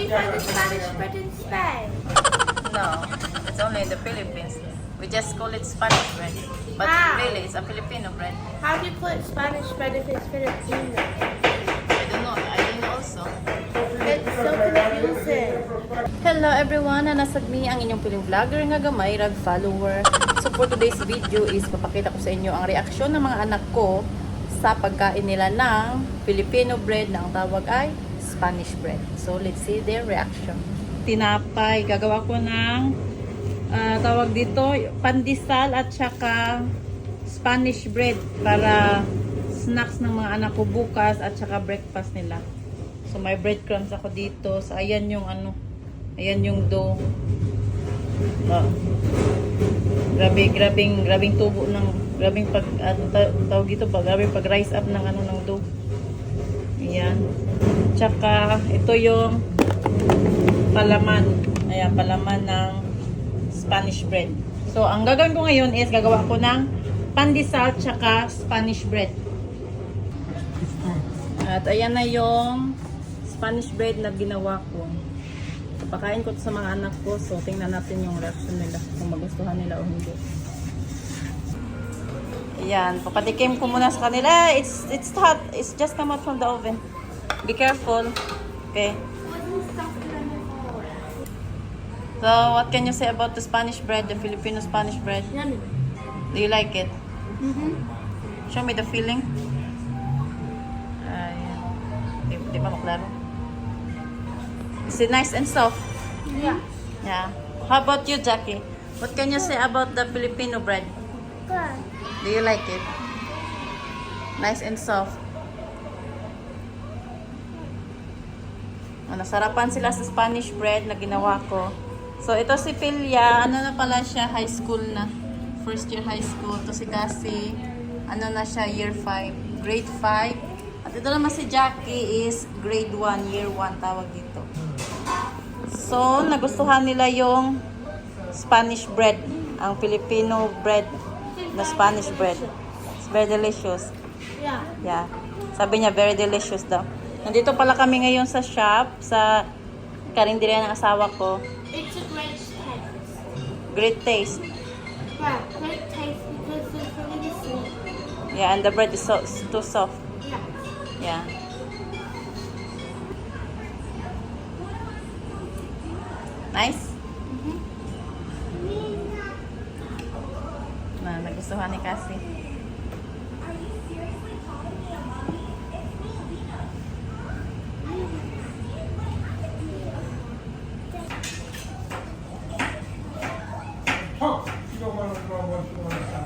we find the Spanish bread in Spain? No, it's only in the Philippines. We just call it Spanish bread. But How? really, it's a Filipino bread. How do you call it Spanish bread if it's Filipino? I don't know. I don't know also. It's so confusing. Hello everyone! Nasag mi ang inyong piling vlogger nga gamay, rag follower. So for today's video is papakita ko sa inyo ang reaksyon ng mga anak ko sa pagkain nila ng Filipino bread na ang tawag ay Spanish bread. So let's see their reaction. Tinapay, gagawa ko ng tawag dito, pandesal at saka Spanish bread para snacks ng mga anak ko bukas at saka breakfast nila. So may breadcrumbs ako dito. So ayan yung ano, ayan yung dough. Grabing tubo ng grabing pag tawag dito ba, grabing pag rise up ng ano ng dough. Ayan. Tsaka ito yung palaman. Ayan, palaman ng Spanish bread. So ang gagawin ko ngayon is gagawa ko ng pandesal tsaka Spanish bread. At ayan na yung Spanish bread na ginawa ko. Pakain ko to sa mga anak ko. So, tingnan natin yung reaction nila. Kung magustuhan nila o hindi. Ayan. Papatikim ko muna sa kanila. It's hot. It's just come out from the oven. Be careful. Okay. So, what can you say about the Spanish bread? The Filipino Spanish bread? Yummy. Do you like it? Show me the feeling. Di ba maklaro? Is it nice and soft? Yeah. Yeah. How about you, Jackie? What can you say about the Filipino bread? Good. Do you like it? Nice and soft. Nasarapan sila sa Spanish bread na ginawa ko. So, ito si Pilya. Ano na pala siya? High school na. First year high school. Ito si Cassie. Ano na siya? Year 5. Grade 5. At ito naman si Jackie is grade 1, year 1 tawag dito. So, nagustuhan nila yung Spanish bread. Ang Filipino bread na Spanish bread. It's very delicious. Yeah. Yeah. Sabi niya, very delicious daw. Nandito pala kami ngayon sa shop, sa karinderya ng asawa ko. It's a great taste. Great taste. Yeah, great taste because it's really sweet. Yeah, and the bread is too soft. Yeah. Yeah. Nice? Nagustuhan ni Cassie. Oh, you don't want to go what you want to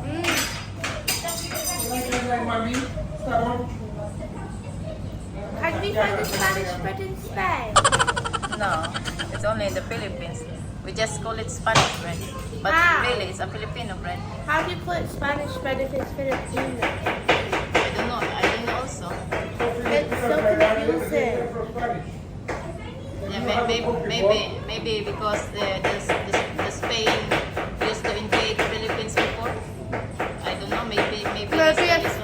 like mommy? How do we find the Spanish bread in Spain? No, it's only in the Philippines. We just call it Spanish bread. But How? really, it's a Filipino bread. How do you call it Spanish bread if it's Filipino? I don't know. I don't know also. It's so confusing. Yeah, maybe because the Spain used to invade Philippines before. I don't know. Maybe Maybe that's the a reason.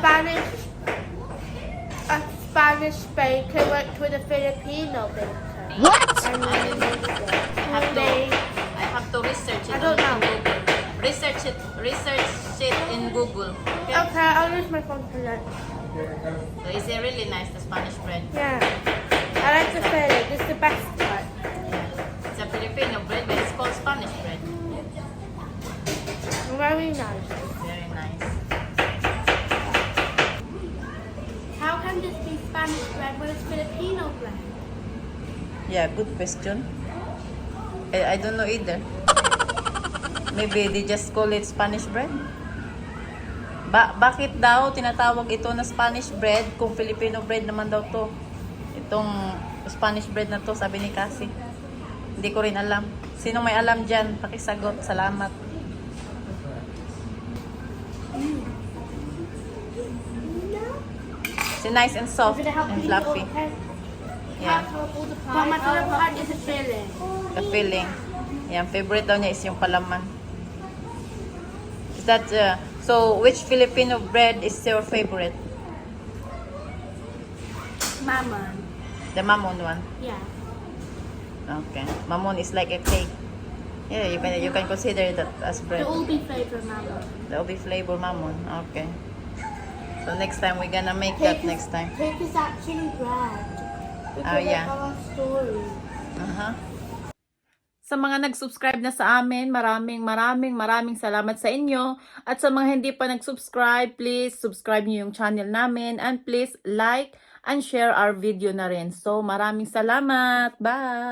Spanish baker worked with a Filipino baker. What? And then I have to research it I don't on know. Google. Research it in Google. Okay? Okay, I'll use my phone for that. So is it really nice, the Spanish bread? Yeah. I like the filling. It's the best part. It's a Filipino bread, but it's called Spanish bread. Very nice. Very nice. How can this be Spanish bread when it's Filipino bread? Yeah, good question. I don't know either. Maybe they just call it Spanish bread. Bakit daw tinatawag ito na Spanish bread kung Filipino bread naman daw to? Itong Spanish bread na to, sabi ni Cassie. Hindi ko rin alam. Sino may alam dyan? Pakisagot. Salamat. It's nice and soft and fluffy. Yeah. But my favorite part is the filling. The filling. Yan, favorite daw niya is yung palaman. Is that, so which Filipino bread is your favorite? Mama. The mamon one. Yeah. Okay. Mamon is like a cake. Yeah, you can consider that as The bread. Ulbi flavor mamon. The ubi flavor mamon. Okay. So next time we're gonna make that next time. Cake is actually bread. Oh, Because yeah. I tell a story. Uh-huh. Sa mga nag-subscribe na sa amin, maraming salamat sa inyo. At sa mga hindi pa nag-subscribe, please subscribe niyo yung channel namin and please like and share our video na rin. So maraming salamat. Bye!